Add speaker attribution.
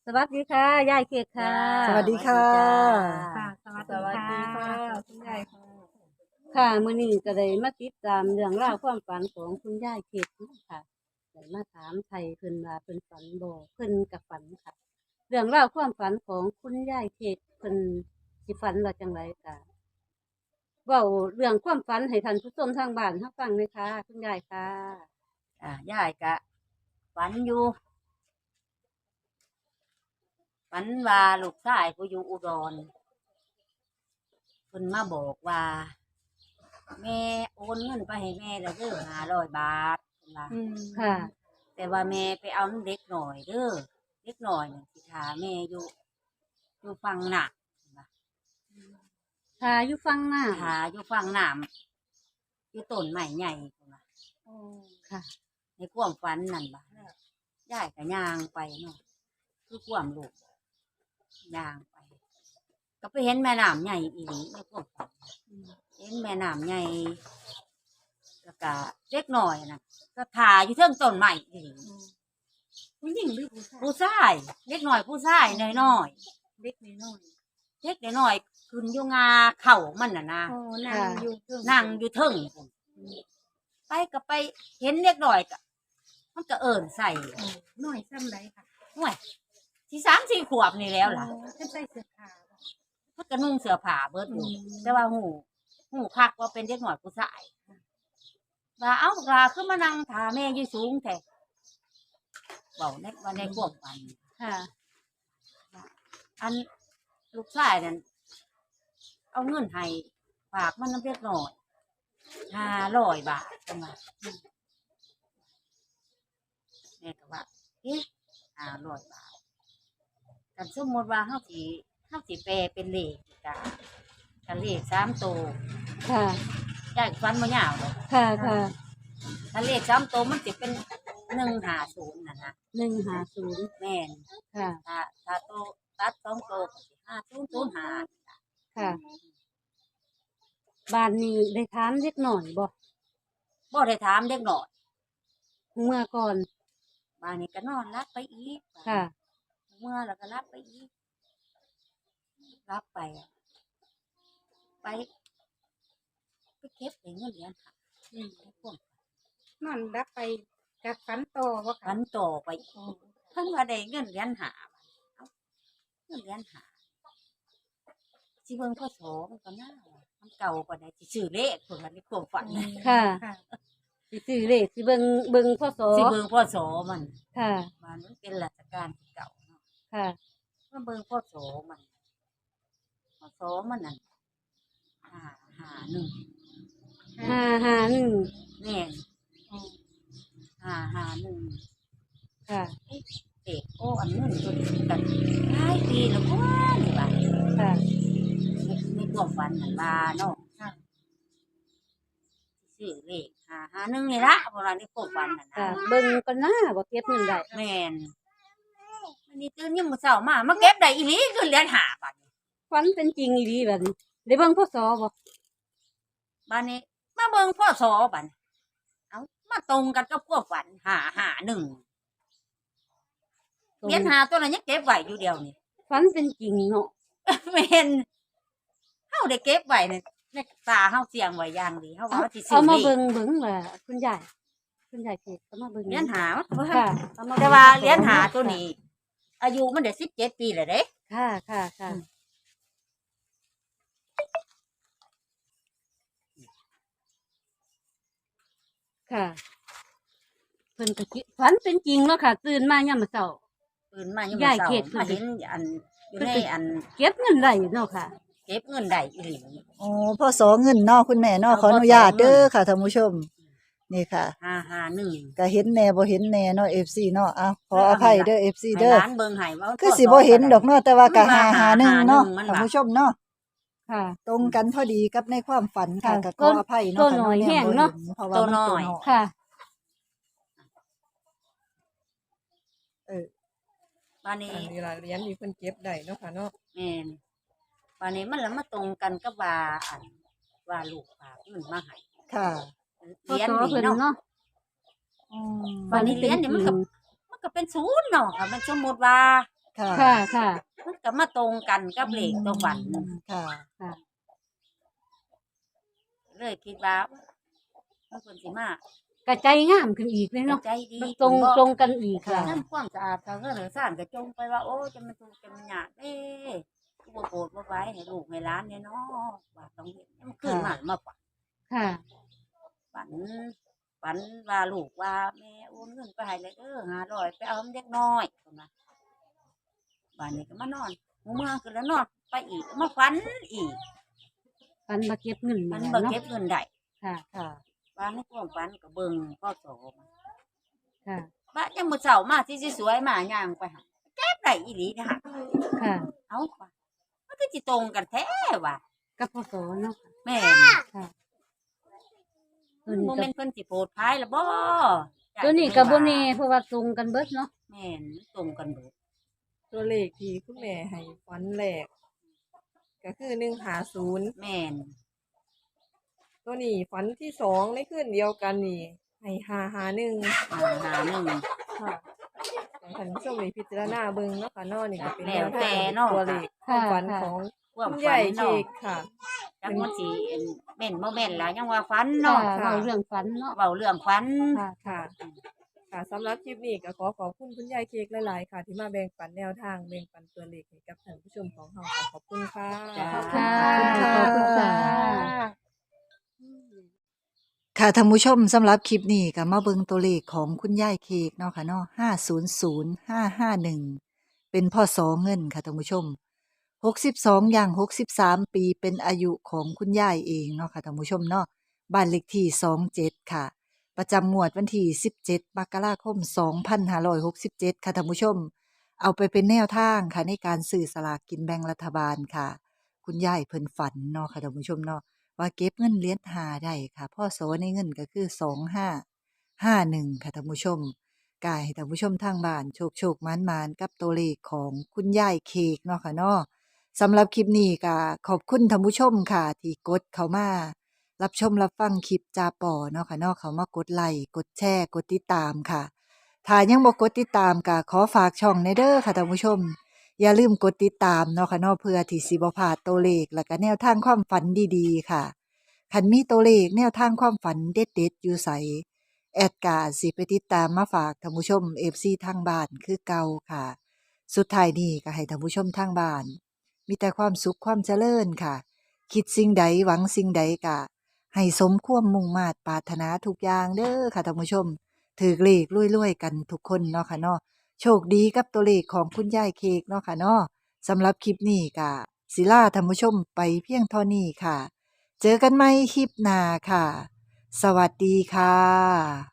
Speaker 1: สวัสดีค่ะยายเกดค่ะ
Speaker 2: สวัสดีค่ะ
Speaker 3: ค่ะสวัสดีค่ะคุณยายค่ะ
Speaker 1: ค่ะมื้อนี้ก็ได้มาติดตามเรื่องราวความฝันของคุณยายเกดค่ะได้มาถามไทยเพิ่นว่าเพิ่นฝันบ่เพิ่นกับฝันค่ะเรื่องราวความฝันของคุณยายเกดเพิ่นสิฝันว่าจังไรค่ะเว้าเรื่องความฝันให้ท่านผู้ชมทางบ้านรับฟังเลยค่ะคุณยายค่ะ
Speaker 3: ยายกะฝันอยู่ฝันว่าลูกชายกูอยู่อุดรเพิ่นมาบอกว่า แม่โอนเงินไปให้แม่แล้วเด้อ500 บาทเพิ่นว่า
Speaker 1: ค่ะ
Speaker 3: แต่ว่าแม่ไปเอาน้ำเด็กหน่อยเด้อเด็กหน่อยน่ะสิถาแม่อยู่ฝั่งหนัก
Speaker 1: ค่ะอยู่ฟังหน้า
Speaker 3: ถาอยู่ฝั่งน้ำอยู่ต้นไม้ใหญ่เพิ่นว่า
Speaker 1: ค่ะ
Speaker 3: ในความฝันนั่นบ่ยายก็ย่างไปเนาะคือความลูกย่างไป ก็ไปเห็นแม่น้ำใหญ่อีหลีในความฝันเห็นแม่น้ำใหญ่แล้วก็เล็กหน่อยนะก็ถ่าอยู่เทิงต้นไม้อีหลี
Speaker 2: ผู้หญิงหรือผู้ชาย
Speaker 3: ผู้ชายเล็กหน่อยผู้ชายน้อย
Speaker 2: เล็กน้อย
Speaker 3: ๆเล็กน้อยๆขึ้นอยู่งาเข่ามันน่ะนะ
Speaker 2: อ๋อนั่งอยู่เทิง
Speaker 3: นั่งอยู่เทิงพุ่นไปก็ไปเห็นเล็กหน่อยก็มันก็เอิ้นใส่
Speaker 2: น้อยซ้ำไรค่ะ
Speaker 3: ห่วยที่3-4 ขวบนี่แล้วล่ะ
Speaker 2: เพิ่นใส่เสื้อผ้าบ่
Speaker 3: มันก็นุ่งเสื้อผ้าเบิดอยู่แต่ว่าหูคักว่าเป็นเด็กหน่อยผู้ชายว่าเอ้าลาขึ้นมานั่งถาแม่อยู่สูงแท้บอกในว่าในความฝัน
Speaker 1: ค่ะ
Speaker 3: อันลูกชายนั่นเอาเงินให้ฝากมันน้ำเล็กหน่อย500 บาทจังว่าแม่ก็ว่าเอ๊ะ500 บาทกันสมมติว่าเฮาสิแปลเป็นเลขกันเลข3 ตัว
Speaker 1: ค่ะ
Speaker 3: ได้ฟันบ่ยาวดอก
Speaker 1: ค่ะค่ะ
Speaker 3: ถ้าเลข3 ตัวมันสิเป็น150นั่นนะ
Speaker 1: 150
Speaker 3: แม่น
Speaker 1: ค่ะ
Speaker 3: ถ้าโตวตัด2 ตัวก็สิ5005
Speaker 1: ค่ะ บ้านนี้ได้ถามเล็กหน่อยบ่
Speaker 3: บ่ได้ถามเด็กน้อย
Speaker 1: เมื่อก่อน
Speaker 3: บ้านนี้ก็นอนรับไปอีก
Speaker 1: ค่ะ
Speaker 3: เมื่อแล้วก็รับไปอีกรับไปอะไปเก็บได้เงินเหรียญค่ะในพวก
Speaker 2: นอนรับไปกับฝันโตบ่ค่ะ
Speaker 3: ฝันต่อไปอีกเพิ่นว่าได้เงินเหรียญ5เอ้าเงินเหรียญ5สิเบิ่งพศมันก็น่าว่ามันเก่ากว่าได้สิซื้อเลขเพิ่นว่าในความฝันน่ะ
Speaker 1: ค่ะ
Speaker 2: ค่ะ
Speaker 1: สิซื้อเลขสิเบิ่งพศ
Speaker 3: สิเบิ่งพศมัน
Speaker 1: ค่ะ
Speaker 3: มันเป็นราชการที่เก่าเนาะ
Speaker 1: ค่ะ
Speaker 3: มาเบิ่งพศมันพศมันนั่น551
Speaker 1: 551
Speaker 3: แม่น551
Speaker 1: ค่ะ
Speaker 3: เด็กโอ้อันนู้นตัวนี้กันหลายปีแล้วพ่อนี่ว่า
Speaker 1: ค่ะ
Speaker 3: ในความฝันนั่นว่าเนาะ
Speaker 2: ค่ะ
Speaker 3: ซื้อเลข551นี่ละเพราะว่าในความฝันนั่น
Speaker 1: ค่ะ
Speaker 3: นะ
Speaker 1: เบิ่งก่อนนะบ่เก็บเงินได้
Speaker 3: แม่นอันนี้ตื่นยามมื้อเช้ามาเก็บได้อีหลีคือเหรียญ5บาท
Speaker 1: ฝันเป็นจริงอีหลีบัดนี้ได้เบิ่งพศบ่
Speaker 3: บัดนี้มาเบิ่งพศบัดนี้เอ้ามาตรงกันกับความฝัน551เหรียญ5ตัวนั้นยังเก็บไว้อยู่เดียวนี่
Speaker 1: ฝันเป็นจริงเนาะ
Speaker 3: แม่นเฮาได้เก็บไว้ในตาเฮาเสียงไว้อย่างดีเฮาว่าสิซื้
Speaker 1: เอา
Speaker 3: อ
Speaker 1: มา
Speaker 3: เลข
Speaker 1: เบิ่งว่าคุณยายเฮ็ดเอามาเบิ่ง
Speaker 3: เหรียญหามัน
Speaker 1: ค่ะเอามาบิ่ง
Speaker 3: แต่ว่าเหรียญหาตัวนี้ อายุมันได้17 ปีแล้วเด้
Speaker 1: ค่ะค่ะค่ะค่ะเพิ่นก็คิดฝันเป็นจริงเนาะค่ะ ตื่นมายามมื้อเช้า
Speaker 3: ตื่นมายัง
Speaker 1: ยาย
Speaker 3: เช้า
Speaker 1: เข็ด
Speaker 3: มาเห็นอันอยู่ในอัน
Speaker 1: เก็บเงินได้เนาะค่ะ
Speaker 3: เก็บเงินได้อีหลี
Speaker 4: โอ้พ่อสอเงินเนาะคุณแม่เนาะขออนุญาตเด้อค่ะท่านผู้ชม นี่ค่ะ
Speaker 3: 551
Speaker 4: ก็เห็นแหน่บ่เห็นแหน่เนาะ FC เนาะอ้าวขออภัยเด้อ FC
Speaker 3: ให้
Speaker 4: เด้อ
Speaker 3: ร้านเบิ่งให้ว่า
Speaker 4: คือสิบ่เห็นดอกเนาะแต่ว่าก็
Speaker 3: มันว่า
Speaker 4: 551เนาะ
Speaker 3: มันว่า
Speaker 4: ท่านผู้ชมเนาะ
Speaker 1: ค่ะ
Speaker 4: ตรงกันพอดีกับในความฝันค่ะ
Speaker 1: ค่ะ
Speaker 4: ก็ขออภัย
Speaker 1: ตัว
Speaker 4: เนาะ
Speaker 1: น้อย
Speaker 4: ค่ะ
Speaker 1: แห้งเนาะ
Speaker 4: เพราะว่ามันตัวน้อย
Speaker 1: ค่ะ
Speaker 3: บานนี้
Speaker 2: อันนี้ล่ะเหรียญที่เพิ่นเก็บได้เนาะค่ะเนาะ
Speaker 3: แม่นบานนี้มันละมาตรงกันกับว่าอันว่าลูกฝากเงินมาให้
Speaker 4: ค่ะ
Speaker 3: เหรียญ
Speaker 1: พศ
Speaker 3: นี่
Speaker 1: เพิ่น
Speaker 3: เนาะ
Speaker 1: เนาะ
Speaker 4: อืม
Speaker 3: บัดนี้เหรียญนี่มันก็เป็นศูนย์เนาะค่ะมันสมมุติว่า
Speaker 4: ค่ะ
Speaker 1: ค่ะค่ะ
Speaker 3: มันก็มาตรงกันกับเลขตัวฝัน
Speaker 4: ค่ะ
Speaker 1: ค่ะ
Speaker 3: เลยคิดว่าเมื่อคนสิมาก
Speaker 1: ระใจงามขึ้นอีกเลยเนาะ
Speaker 3: ใจดี
Speaker 1: ตรง
Speaker 3: ขึ้นบ่
Speaker 1: ตรงกันอีกค่ะ
Speaker 3: ทำความสะอาดทางเรื่องสร้างก็จงไปว่าโอ้จะมันถูกจะมันยากกูบ่โกรธบ่ไว้ให้ลูกให้หลานเนี่ยเนาะว่าต้องเฮ็ดมันขึ้นมาฝัน
Speaker 1: ค่ะ
Speaker 3: ฝันฝันว่าลูกว่าแม่โอนเงินไปให้เลย500ไปเอาเด็กน้อยพุ่นน่ะบ้านนี้ก็มานอนหมู่เมืองขึ้นแล้วนอนไปอีกมาฝันอีก
Speaker 1: ฝันมาเก็บเงิน
Speaker 3: มัน
Speaker 1: นี่
Speaker 3: บ่
Speaker 1: แหละ
Speaker 3: เก็
Speaker 1: เนาะ
Speaker 3: บเงินได้
Speaker 1: ค่ะ
Speaker 4: ค่ะ
Speaker 3: ว่าในความฝันก็เบิ่งพ่อโสมา
Speaker 1: ค่ะ
Speaker 3: บ้านยังมื้อเช้ามาที่สวยๆมาย่างไปหาเก็บได้อีหลีนะฮะ
Speaker 1: ค่ะ
Speaker 3: เอ้าว่ะมันก็สิตรงกันแท้ว่ะ
Speaker 1: กับพศเนาะ
Speaker 3: แม่น
Speaker 1: ค่ะ
Speaker 3: โมเมนต์เพิ่นสิโพดพายละบ่
Speaker 1: ตัวนี้กับโบเน่เพราะว่าตรงกันเบิดเนาะ
Speaker 3: แม่นตรงกันเบิด
Speaker 5: ตัวเลขที่คุณแม่ให้ฟันแรกก็คือ150
Speaker 3: แม่น
Speaker 5: ตัวนี้ฝันที่สองในคืนเดียวกันนี่ให้551
Speaker 3: หาหนึ่ง
Speaker 5: ค่ะให้ท่านผู้ชมได้พิจารณาเบิ่งเนาะค่ะเนาะนี่ก็เป็น
Speaker 3: แล้ว
Speaker 5: แนว
Speaker 3: แต่
Speaker 5: ทาง
Speaker 3: เนาะ
Speaker 5: ตัวเลขความฝันของ
Speaker 3: ความ
Speaker 5: คุณ
Speaker 3: ฝั
Speaker 5: ยาย
Speaker 3: น
Speaker 5: เค้
Speaker 3: เนาะ
Speaker 5: กค่ะ
Speaker 3: จังมันสิแม่นบ่แม่นล่ะยังว่าฝัน
Speaker 1: ค่ะ
Speaker 3: เนาะ
Speaker 1: เว้าเรื่องฝันเนาะ
Speaker 3: เว้าเรื่องฝัน
Speaker 1: ค่ะ
Speaker 5: ค่ะ ค่ะสำหรับคลิปนี้ก็ขอขอบคุณคุณยายเค้กหลายๆค่ะ ที่มาแบ่งปันแนวทางแบ่งปันตัวเลขให้กับท่านผู้ชมของเราค่ะขอบคุณค่ะ
Speaker 3: จ้า
Speaker 1: ค่ะ
Speaker 4: ขอบคุณค่ะ
Speaker 1: อืม
Speaker 4: ค่ะท่านผู้ชมสำหรับคลิปนี้ก็มาเบิ่งตัวเลขของคุณยายเค้กเนาะค่ะเนาะ500551เป็นพ่อสอเงินค่ะท่านผู้ชม62อย่าง63ปีเป็นอายุของคุณยายเองเนาะค่ะท่านผู้ชมเนาะบ้านเลขที่27ค่ะ ประจำงวดวันที่17มกราคม2567ค่ะท่านผู้ชม เอาไปเป็นแนวทางค่ะในการซื้อสลากกินแบ่งรัฐบาลค่ะ คุณยายเพิ่นฝันเนาะค่ะท่านผู้ชมเนาะ ว่าเก็บเงินเหรียญหาได้ค่ะพ่อโสในเงินก็คือ2551ค่ะท่านผู้ชมกายให้ท่านผู้ชมทางบ้านโชคหมานๆกับตัวเลขของคุณยายเค้กเนาะค่ะเนาะสำหรับคลิปนี้ก็ขอบคุณท่านผู้ชมค่ะที่กดเข้ามารับชมรับฟังคลิปจาป่อเนาะค่ะเนาะเขามากดไลค์กดแชร์กดติดตามค่ะถ้ายังบ่กดติดตามก็ขอฝากช่องในเด้อค่ะท่านผู้ชม อย่าลืมกดติดตามเนาะค่ะเนาะเพื่อที่สิบ่พลาดตัวเลขแล้วก็แนวทางความฝันดีๆค่ะคันมีตัวเลขแนวทางความฝันเด็ดๆอยู่ไสแอดกาสิไปติดตามมาฝากท่านผู้ชม FC ทางบ้านคือเก่าค่ะ สุดท้ายนี้ก็ให้ท่านผู้ชมทางบ้าน มีแต่ความสุขความเจริญค่ะ คิดสิ่งใดหวังสิ่งใดก็ให้สมความมุ่งมา่ปรารถนาทุกอย่างเด้อค่ะท่านผู้ชมถือเลขรวยๆกันทุกคนเนาะค่ะเนาะ โชคดีกับตัวเลขของคุณยายเค้กเนาะค่ะเนาะสำหรับคลิปนี้ก็ศิลาท่านผู้ชมไปเพียงเท่านี้ค่ะ เจอกันใหม่คลิปหน้าค่ะ สวัสดีค่ะ